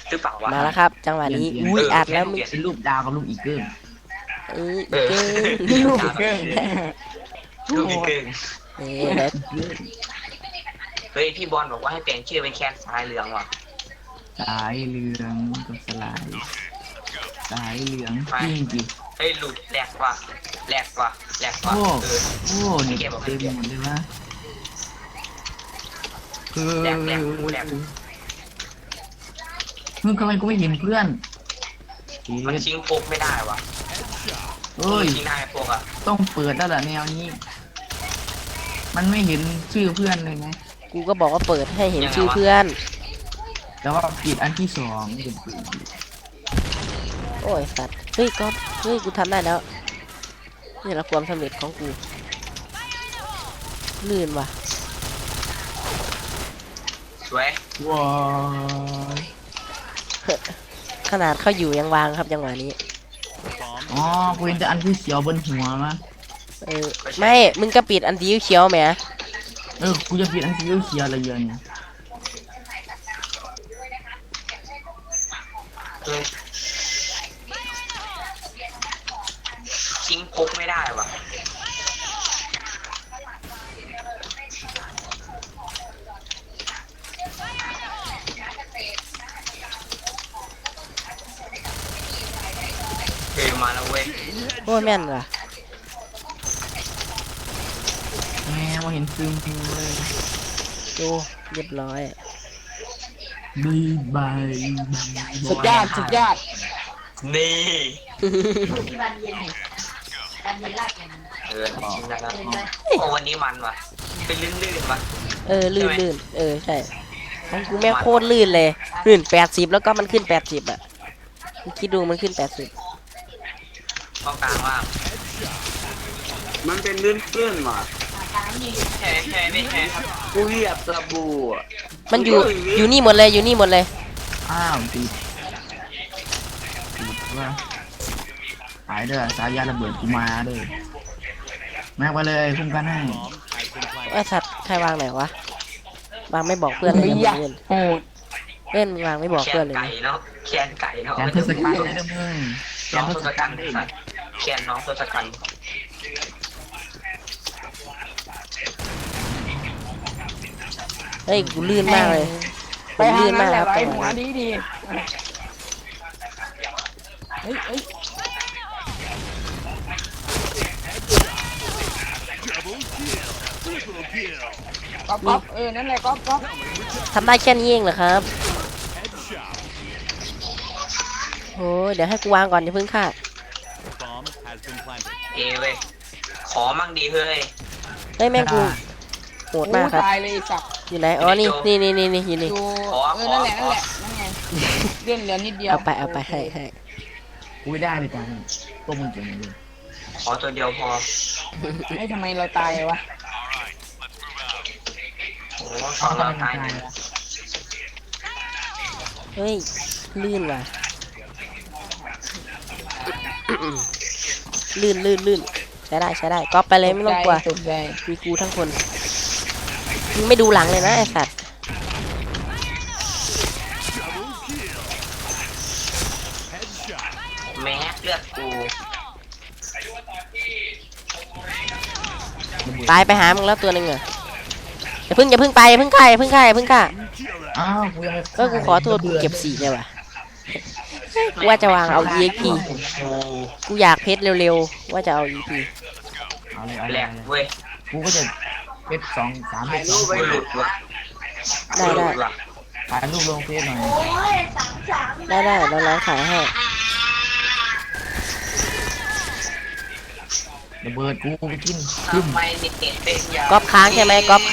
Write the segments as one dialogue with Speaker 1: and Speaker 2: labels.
Speaker 1: หรือเปล่าวะ
Speaker 2: มาแล้วครับจังหวะนี้อุ้ยอัดแล้วมึง
Speaker 3: เป็นรูปดาวกับรูปอีเกิล
Speaker 2: อีเกิ้ง
Speaker 1: ลูก
Speaker 3: เกิล
Speaker 1: ลูกอีกเกิง
Speaker 2: เดี๋ยว
Speaker 1: เฮ้ยพี่บอลบอกว่าให้เปลี่ยนชื่อเป็นแคนสายเหลืองว่ะ
Speaker 3: สายเหลืองกับสลายสายเหลืองจริงจริง
Speaker 1: เฮ้ยหลุดแหลกว่ะแหลกว่ะแหลกว่ะ
Speaker 3: โอ้
Speaker 1: เออ
Speaker 3: โอ้เนี่ยเต็มหมดเลยวะคือ
Speaker 1: แหลกแหลกกูแหลก
Speaker 3: มึงทำไมกูไม่เห็นเพื่อน
Speaker 1: มันชิงโปกไม่ได้ว่ะ
Speaker 3: เอ้ย
Speaker 1: ชิงได้โปกอ่ะ
Speaker 3: ต้องเปิดแล้วเหรอแนวนี้ มันไม่เห็นชื่อเพื่อนเลยนะ
Speaker 2: กูก็บอกว่าเปิดให้เห็นชื่อเพื่อน
Speaker 3: แต่ว่าปิดอันที่สองเป็นปืน
Speaker 2: โอ้ยสัตว์เฮ้ยก็เฮ้ยกูทำได้แล้วนี่แหละความสำเร็จของกูลื่นว่ะ
Speaker 1: สวย
Speaker 3: ว้าว
Speaker 2: ขนาดเขาอยู่ยังวางครับจังหวะนี้
Speaker 3: อ๋อกูเห็นแต่อันที่เขียวบนหัวมะ
Speaker 2: ไม่มึงก็ปิดอันสีเขียวไหม
Speaker 3: กูจะปิดอันที่เขียวอะไรเยอะเนี่ย
Speaker 1: เออชิงโปกไม่ได้ว่ะเฮ้ยมาแล้วเว้ย
Speaker 2: โอ้ยแม่นว่ะ
Speaker 3: แม่มาเห็นซึมเลย
Speaker 2: ดูเรียบร้อย
Speaker 3: บาย
Speaker 2: สุดยอดสุดยอด
Speaker 1: นี่
Speaker 4: ที่บ้านเย็นบ้านเย็นลากอย่างนั้น
Speaker 1: เออชิงได้แล้วโอ้วันนี้มันว่ะเป็นลื่นๆว่ะ
Speaker 2: ลื่นใช่ของกูแม่งโคตรลื่นเลยลื่น80แล้วก็มันขึ้น80อ่ะมึงคิดดูมันขึ้น80
Speaker 1: กองกลางว่า
Speaker 5: มันเป็นลื่นๆว่ะ
Speaker 1: แค่ไม่แค่ครับ
Speaker 5: กูเหยียบสบู่อะ
Speaker 2: มันอยู่นี่หมดเลยอยู่นี่หมดเลย
Speaker 3: อ้าวติดว่าหายเด้อสายยาระเบิดกูมาเด้อแม็กไปเลยคุ้มกันให้
Speaker 2: ไอ้สัตว์ใครวางไหนวะวางไม่บอกเพื่อนเลยนะมึงเล่นมึงวางไม่บอก
Speaker 1: แค่
Speaker 2: เพื่อนเลย
Speaker 1: ไก่
Speaker 2: นะ
Speaker 1: เนาะแค่ไก่เนาะ
Speaker 3: แกนเทศกาลได้เด้อมึงแก
Speaker 1: น้อน ง
Speaker 3: เท
Speaker 1: ท
Speaker 3: ศ
Speaker 1: ศ
Speaker 3: กา
Speaker 1: กั
Speaker 3: ล
Speaker 1: ณฐ์
Speaker 3: ได้
Speaker 1: สัตว์แค่น้องทศกัณฐ์
Speaker 2: เฮ้ยกูลื่นมากเลยผมลื่นมากครับจังหวะนี้
Speaker 4: ดี ก๊อฟนั่นแหละก๊อฟ
Speaker 2: ทำได้แค่นี้เองเหรอครับโอ้ยเดี๋ยวให้กูวางก่อนอย่าเพิ่งฆ่า
Speaker 1: เอเว้ยขอมั่งดีเฮ้ย
Speaker 2: เฮ้ยแม่งกูโหดมากครับ
Speaker 4: ตายเลยสับ
Speaker 2: อยู่ไหนอ๋อนี่อยู่นี่
Speaker 4: ดู
Speaker 1: ขอ
Speaker 4: นั่นแหละนั่นไงเลื่อนเหลือนิดเดียว
Speaker 2: เอาไปให้
Speaker 3: กูไม่ได้เลยจังตัวมึงเก่งเลย
Speaker 1: ขอตัวเดียวพอ
Speaker 4: ทำไมเราตายวะ
Speaker 1: โอ้สองเราตายหนึ่ง
Speaker 2: เฮ้ยลื่นว่ะ ลื่นใช้ได้ก๊อปไปเลยไม่ต้องกลัว
Speaker 4: ตกใจ
Speaker 2: มีกูทั้งคนมึงไม่ดูหลังเลยนะไอ้สัตว์
Speaker 1: แม็กเลือดกู
Speaker 2: ตายไปหามึงแล้วตัวหนึงอ่ะอย่าเพิ่งไปอย่าเพิ่งฆ่า
Speaker 3: อ้าวกูยังไม่
Speaker 2: ก็กูขอโทษกูเก็บ4เลยว่ะกูว่าจะวางเอา EXP กูอยากเพชรเร็วๆว่าจะเอา EP
Speaker 3: เอาเลย
Speaker 1: แหลกเว้ย
Speaker 3: กูก็จะเป็น2-3เป็น
Speaker 1: รูปไม่หลุดว่ะ
Speaker 2: ได้
Speaker 1: หลุว่ะ
Speaker 3: ถ่ายรูปลงเฟซหน่อย
Speaker 2: ได้เราลองขายให้
Speaker 3: ระเบิดกูไปกิน
Speaker 1: ทำไมเน็ตเป็นอย่าง
Speaker 2: ก๊อปค้างใช่ไหม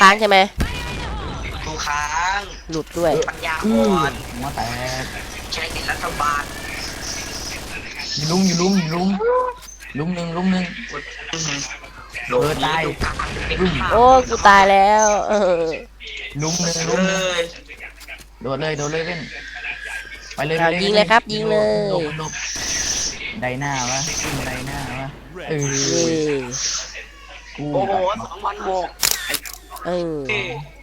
Speaker 1: กูค้าง
Speaker 2: หลุดด้วย
Speaker 1: ปัญญาอ่อน
Speaker 3: หัวแตก
Speaker 1: ใช้เน็ตรัฐบาล
Speaker 3: อยู่ลุมลุมหนึ่ง
Speaker 1: โหลดตาย
Speaker 2: โอ้กูตายแล้ว
Speaker 3: ลุมหนึ่ง
Speaker 1: เลย
Speaker 3: โดดเลยเว้นไปเลย
Speaker 2: ยิงเลยครับยิงเลย
Speaker 3: หลบไดหน้าวะไดหน้าวะเออ
Speaker 2: นี่
Speaker 3: กู
Speaker 5: โอ้โห2,006
Speaker 2: เออ